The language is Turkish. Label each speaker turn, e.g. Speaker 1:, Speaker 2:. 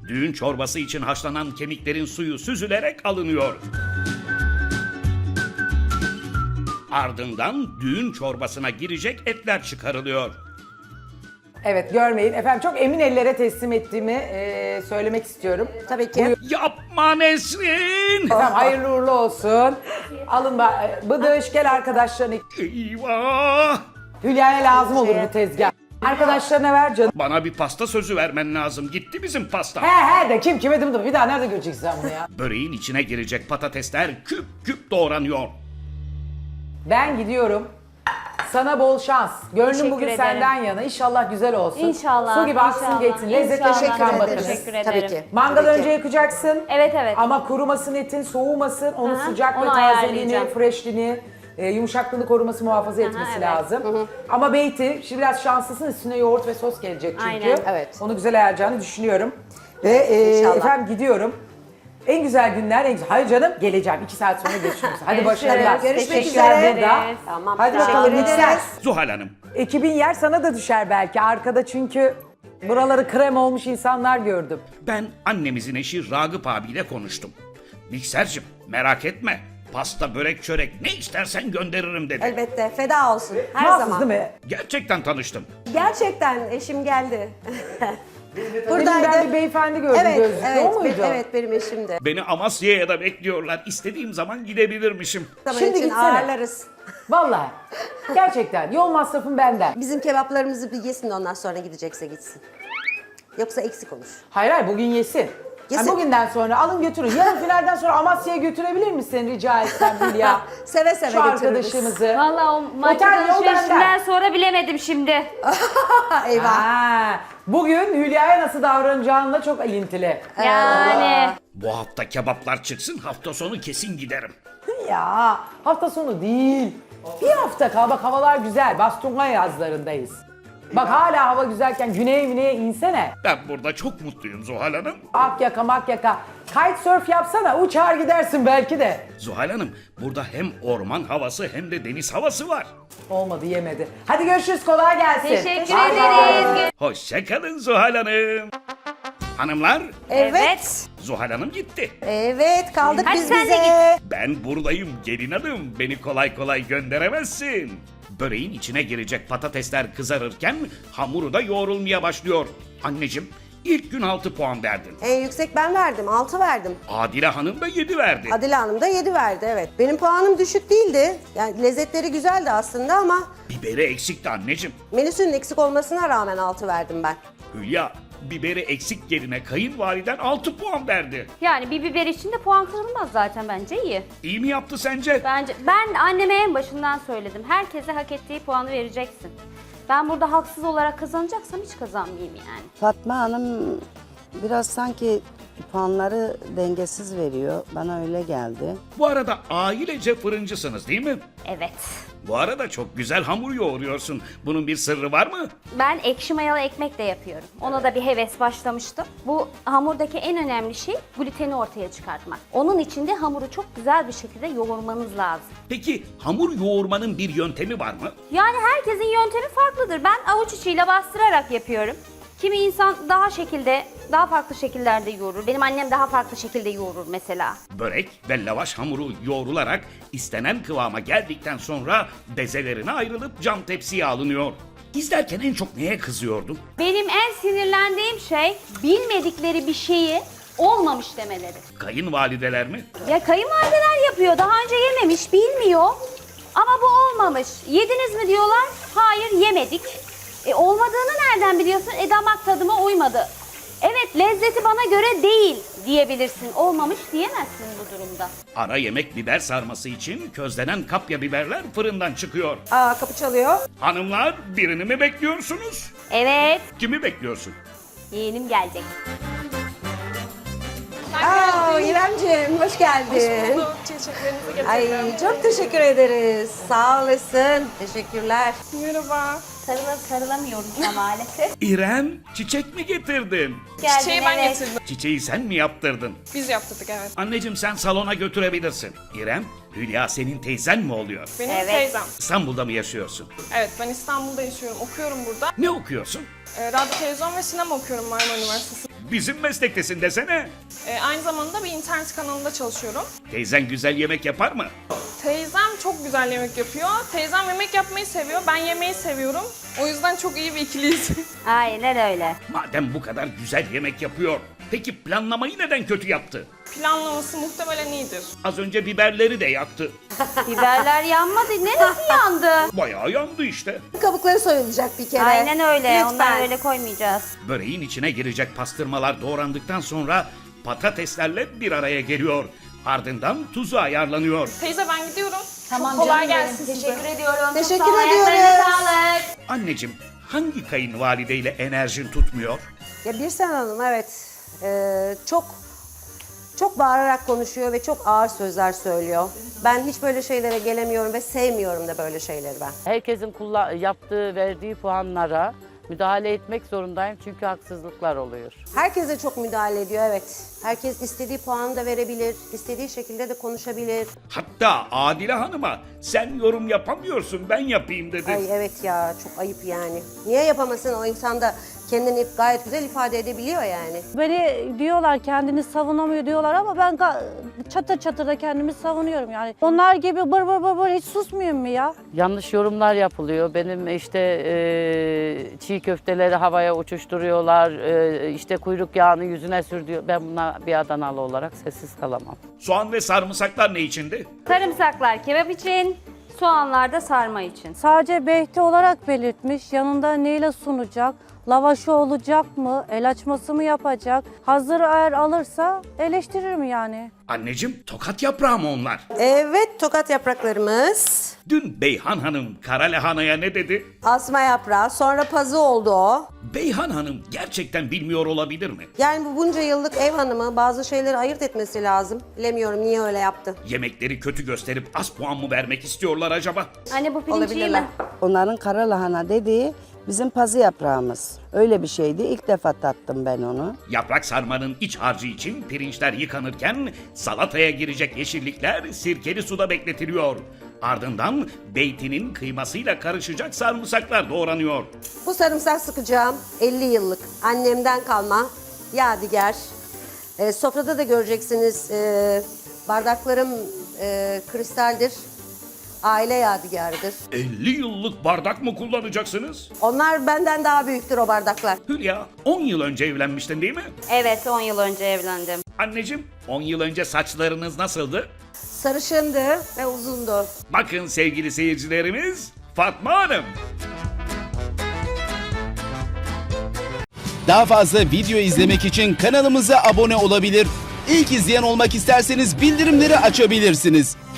Speaker 1: Düğün çorbası için haşlanan kemiklerin suyu süzülerek alınıyor. Ardından düğün çorbasına girecek etler çıkarılıyor.
Speaker 2: Evet, görmeyin. Efendim çok emin ellere teslim ettiğimi söylemek istiyorum.
Speaker 3: Tabii ki.
Speaker 1: Yapma Nesrin!
Speaker 2: Efendim hayırlı uğurlu olsun. Alın Bıdış, gel arkadaşlarını.
Speaker 1: Eyvah!
Speaker 2: Hülya'ya lazım olur bu tezgah. Arkadaşlarına ver canım.
Speaker 1: Bana bir pasta sözü vermen lazım. Gitti bizim pasta.
Speaker 2: He de kim kime dım bir daha nerede göreceksin sen bunu ya?
Speaker 1: Böreğin içine girecek patatesler küp küp doğranıyor.
Speaker 2: Ben gidiyorum. Sana bol şans. Gönlüm
Speaker 4: Teşekkür
Speaker 2: bugün
Speaker 4: ederim.
Speaker 2: senden yana. İnşallah güzel olsun.
Speaker 4: İnşallah.
Speaker 2: Su gibi aksın
Speaker 4: inşallah,
Speaker 2: geçsin. Lezzetli
Speaker 4: inşallah.
Speaker 2: şekilde bakarız.
Speaker 4: Teşekkür ederim.
Speaker 3: Tabii ki.
Speaker 2: Mangal
Speaker 3: Tabii ki.
Speaker 2: önce yakacaksın.
Speaker 4: Evet evet.
Speaker 2: Ama kurumasın etin, soğumasın. Onun
Speaker 4: Aha,
Speaker 2: sıcak ve
Speaker 4: onu
Speaker 2: tazeliğini,
Speaker 4: ayarlayacağım.
Speaker 2: freshliğini, yumuşaklığını koruması, muhafaza etmesi
Speaker 4: evet.
Speaker 2: lazım. Ama beyti, şimdi biraz şanslısın. Üstüne yoğurt ve sos gelecek çünkü.
Speaker 4: Aynen.
Speaker 3: Evet.
Speaker 2: Onu güzel ayarlayacağını düşünüyorum. Ve
Speaker 3: İnşallah.
Speaker 2: efendim gidiyorum. En güzel günler, en güzel. Hayır canım, geleceğim. 2 saat sonra görüşürüz. Hadi başarılar.
Speaker 3: Görüşmek
Speaker 2: Teşekkürler
Speaker 3: üzere.
Speaker 2: burada.
Speaker 3: Tamam.
Speaker 2: Hadi
Speaker 3: Teşekkür
Speaker 2: bakalım
Speaker 3: ederiz.
Speaker 2: Yüksel.
Speaker 1: Zuhal Hanım,
Speaker 2: Ekibin yer sana da düşer belki. Arkada çünkü buraları krem olmuş insanlar gördüm.
Speaker 1: ben annemizin eşi Ragıp abiyle konuştum. Miksercim merak etme. Pasta, börek, çörek ne istersen gönderirim dedi.
Speaker 3: Elbette. Feda olsun. Her
Speaker 2: Mahsus
Speaker 3: zaman.
Speaker 2: değil mi?
Speaker 1: Gerçekten tanıştım.
Speaker 3: Gerçekten eşim geldi.
Speaker 2: Demin ben bir beyefendi gördüm
Speaker 3: Evet,
Speaker 2: gözlüklü.
Speaker 3: evet,
Speaker 2: O muydu?
Speaker 3: evet benim eşimdi.
Speaker 1: Beni Amasya'ya da bekliyorlar. İstediğim zaman gidebilirmişim.
Speaker 3: Zaman
Speaker 2: Şimdi
Speaker 3: için
Speaker 2: gitsene.
Speaker 3: ağırlarız.
Speaker 2: Vallahi. Gerçekten. Yol masrafım benden.
Speaker 3: Bizim kebaplarımızı bir yesin de ondan sonra gidecekse gitsin. Yoksa eksik olur.
Speaker 2: Hayır bugün yesin.
Speaker 3: Yesin.
Speaker 2: Yani bugünden sonra alın götürün. Yarın finalden sonra Amasya'ya götürebilir misin rica etsem Hülya?
Speaker 3: Seve seve
Speaker 2: Şu
Speaker 3: götürürüz.
Speaker 2: arkadaşımızı.
Speaker 4: Valla o market
Speaker 2: Otel yol
Speaker 4: alışverişinden
Speaker 2: benden.
Speaker 4: sonra bilemedim şimdi.
Speaker 3: Eyvah.
Speaker 2: Ha, bugün Hülya'ya nasıl davranacağınla çok ilintili.
Speaker 4: Yani.
Speaker 1: Bu hafta kebaplar çıksın, hafta sonu kesin giderim.
Speaker 2: Ya hafta sonu değil. Bir hafta kal. Bak havalar güzel. Bastonga yazlarındayız. Bak hala hava güzelken güneye insene.
Speaker 1: Ben burada çok mutluyum Zuhal Hanım.
Speaker 2: Akyaka makyaka. Kitesurf yapsana uçar gidersin belki de.
Speaker 1: Zuhal Hanım, burada hem orman havası hem de deniz havası var.
Speaker 2: Olmadı yemedi. Hadi görüşürüz kolay gelsin.
Speaker 4: Teşekkür
Speaker 2: Bay bay.
Speaker 4: ederiz.
Speaker 1: Hoşçakalın Zuhal Hanım. Hanımlar,
Speaker 3: Evet.
Speaker 1: Zuhal Hanım gitti.
Speaker 3: Evet kaldık
Speaker 4: Hadi
Speaker 3: biz
Speaker 4: sen de
Speaker 3: bize.
Speaker 1: Ben buradayım gelin hanım. Beni kolay kolay gönderemezsin. Böreğin içine girecek patatesler kızarırken hamuru da yoğrulmaya başlıyor. Anneciğim, ilk gün 6 puan verdin.
Speaker 3: En yüksek ben verdim. 6 verdim.
Speaker 1: Adile Hanım da 7 verdi.
Speaker 3: Adile Hanım da 7 verdi evet. Benim puanım düşük değildi. Yani lezzetleri güzeldi aslında ama
Speaker 1: Biberi eksikti anneciğim.
Speaker 3: menüsünün eksik olmasına rağmen 6 verdim ben.
Speaker 1: Hülya, biberi eksik yerine kayınvaliden 6 puan verdi.
Speaker 4: Yani bir biber için de puan kırılmaz zaten bence iyi.
Speaker 1: İyi mi yaptı sence?
Speaker 4: Ben anneme en başından söyledim. Herkese hak ettiği puanı vereceksin. Ben burada haksız olarak kazanacaksam hiç kazanmayayım yani.
Speaker 5: Fatma Hanım biraz sanki puanları dengesiz veriyor. Bana öyle geldi.
Speaker 1: Bu arada ailece fırıncısınız değil mi?
Speaker 4: Evet.
Speaker 1: Bu arada çok güzel hamur yoğuruyorsun. Bunun bir sırrı var mı?
Speaker 4: Ben ekşi mayalı ekmek de yapıyorum. Ona da bir heves başlamıştım. Bu hamurdaki en önemli şey gluteni ortaya çıkartmak. Onun için de hamuru çok güzel bir şekilde yoğurmanız lazım.
Speaker 1: Peki hamur yoğurmanın bir yöntemi var mı?
Speaker 4: Yani herkesin yöntemi farklıdır. Ben avuç içiyle bastırarak yapıyorum. Kimi insan daha farklı şekillerde yoğurur. Benim annem daha farklı şekilde yoğurur mesela.
Speaker 1: Börek ve lavaş hamuru yoğrularak istenen kıvama geldikten sonra bezelerine ayrılıp cam tepsiye alınıyor. İzlerken en çok neye kızıyordun?
Speaker 4: Benim en sinirlendiğim şey bilmedikleri bir şeyi olmamış demeleri.
Speaker 1: Kayınvalideler mi?
Speaker 4: Ya kayınvalideler yapıyor. Daha önce yememiş, bilmiyor. Ama bu olmamış. Yediniz mi diyorlar. Hayır yemedik. Olmadığını nereden biliyorsun? Damak tadıma uymadı. Evet lezzeti bana göre değil diyebilirsin. Olmamış diyemezsin bu durumda.
Speaker 1: Ara yemek biber sarması için közlenen kapya biberler fırından çıkıyor.
Speaker 3: Aa kapı çalıyor.
Speaker 1: Hanımlar birini mi bekliyorsunuz?
Speaker 4: Evet
Speaker 1: Kimi bekliyorsun?
Speaker 4: yeğenim gelecek.
Speaker 3: Aa İremciğim hoş geldin.
Speaker 6: Çiçeklerinizi getirdim.
Speaker 3: Ay çok teşekkür ederiz. Sağ olasın. Teşekkürler.
Speaker 6: Merhaba.
Speaker 4: Sarılamıyorum ama maalesef.
Speaker 1: İrem, çiçek mi getirdin?
Speaker 4: Geldin,
Speaker 6: Çiçeği ben
Speaker 4: evet.
Speaker 6: getirdim.
Speaker 1: Çiçeği sen mi yaptırdın?
Speaker 6: Biz yaptırdık evet.
Speaker 1: Anneciğim sen salona götürebilirsin. İrem, Hülya senin teyzen mi oluyor?
Speaker 6: Benim
Speaker 4: Evet.
Speaker 6: teyzem.
Speaker 1: İstanbul'da mı yaşıyorsun?
Speaker 6: Evet ben İstanbul'da yaşıyorum. Okuyorum burada.
Speaker 1: Ne okuyorsun?
Speaker 6: Radyo, televizyon ve sinema okuyorum Marmara Üniversitesi.
Speaker 1: Bizim meslektesin desene.
Speaker 6: Aynı zamanda bir internet kanalında çalışıyorum.
Speaker 1: Teyzen güzel yemek yapar mı?
Speaker 6: Teyzem çok güzel yemek yapıyor. Teyzem yemek yapmayı seviyor. Ben yemeği seviyorum. O yüzden çok iyi bir ikiliyiz.
Speaker 4: Aynen öyle.
Speaker 1: Madem bu kadar güzel yemek yapıyor, peki planlamayı neden kötü yaptı?
Speaker 6: Planlaması muhtemelen iyidir.
Speaker 1: Az önce biberleri de yaktı.
Speaker 4: Biberler yanmadı. Neresi yandı?
Speaker 1: Bayağı yandı işte.
Speaker 3: Kabukları soyulacak bir kere.
Speaker 4: Aynen öyle.
Speaker 3: Lütfen.
Speaker 4: Onları öyle koymayacağız.
Speaker 1: Böreğin içine girecek pastırmalar doğrandıktan sonra patateslerle bir araya geliyor. Ardından tuzu ayarlanıyor.
Speaker 6: Teyze ben gidiyorum.
Speaker 4: Tamam
Speaker 6: çok kolay
Speaker 4: canım benim.
Speaker 6: gelsin size.
Speaker 4: Teşekkür ediyorum. Çok
Speaker 3: Teşekkür
Speaker 4: sağ ol. Ayaklarına
Speaker 3: ediyoruz.
Speaker 4: sağlık.
Speaker 1: Anneciğim, hangi kayınvalideyle enerjin tutmuyor?
Speaker 3: Ya Birsen Hanım evet çok bağırarak konuşuyor ve çok ağır sözler söylüyor. Ben hiç böyle şeylere gelemiyorum ve sevmiyorum da böyle şeyleri ben.
Speaker 7: Herkesin yaptığı, verdiği puanlara müdahale etmek zorundayım çünkü haksızlıklar oluyor.
Speaker 3: Herkese çok müdahale ediyor evet. Herkes istediği puanı da verebilir, istediği şekilde de konuşabilir.
Speaker 1: Hatta Adile Hanım'a sen yorum yapamıyorsun ben yapayım dedi.
Speaker 3: Ay evet ya çok ayıp yani. Niye yapamasın o insan da kendini gayet güzel ifade edebiliyor yani.
Speaker 8: Beni diyorlar kendini savunamıyor diyorlar ama ben çatır çatır da kendimi savunuyorum yani. Onlar gibi bır bır bır bır hiç susmuyorum mu ya?
Speaker 7: Yanlış yorumlar yapılıyor. Benim işte çiğ köfteleri havaya uçuşturuyorlar, işte kuyruk yağını yüzüne sürdüyor. Ben buna bir Adanalı olarak sessiz kalamam.
Speaker 1: Soğan ve sarımsaklar ne içindi?
Speaker 4: Sarımsaklar kebap için, soğanlar da sarma için.
Speaker 8: Sadece Behti olarak belirtmiş. Yanında neyle sunacak? Lavaşı olacak mı? El açması mı yapacak? Hazır eğer alırsa eleştiririm yani.
Speaker 1: Anneciğim, tokat yaprağı mı onlar?
Speaker 3: Evet tokat yapraklarımız.
Speaker 1: Dün Beyhan Hanım kara lahanaya ne dedi?
Speaker 3: Asma yaprağı sonra pazı oldu o.
Speaker 1: Beyhan Hanım gerçekten bilmiyor olabilir mi?
Speaker 3: Yani bu bunca yıllık ev hanımı bazı şeyleri ayırt etmesi lazım. Bilemiyorum niye öyle yaptı.
Speaker 1: Yemekleri kötü gösterip az puan mı vermek istiyorlar acaba?
Speaker 4: Anne bu pirinç iyi
Speaker 3: Olabilirler.
Speaker 4: mi?
Speaker 5: Onların kara lahana dediği bizim pazı yaprağımız. Öyle bir şeydi. İlk defa tattım ben onu.
Speaker 1: Yaprak sarmanın iç harcı için pirinçler yıkanırken salataya girecek yeşillikler sirkeli suda bekletiliyor. Ardından beytinin kıymasıyla karışacak sarımsaklar doğranıyor.
Speaker 3: Bu sarımsak sıkacağım 50 yıllık annemden kalma yadigar. Sofrada da göreceksiniz bardaklarım kristaldir. Aile yadigarıdır.
Speaker 1: 50 yıllık bardak mı kullanacaksınız?
Speaker 3: Onlar benden daha büyüktür o bardaklar.
Speaker 1: Hülya, 10 yıl önce evlenmiştin değil mi?
Speaker 4: Evet 10 yıl önce evlendim.
Speaker 1: Anneciğim, 10 yıl önce saçlarınız nasıldı?
Speaker 3: Sarışındı ve uzundu.
Speaker 1: Bakın sevgili seyircilerimiz, Fatma Hanım.
Speaker 9: Daha fazla video izlemek için kanalımıza abone olabilir. İlk izleyen olmak isterseniz bildirimleri açabilirsiniz.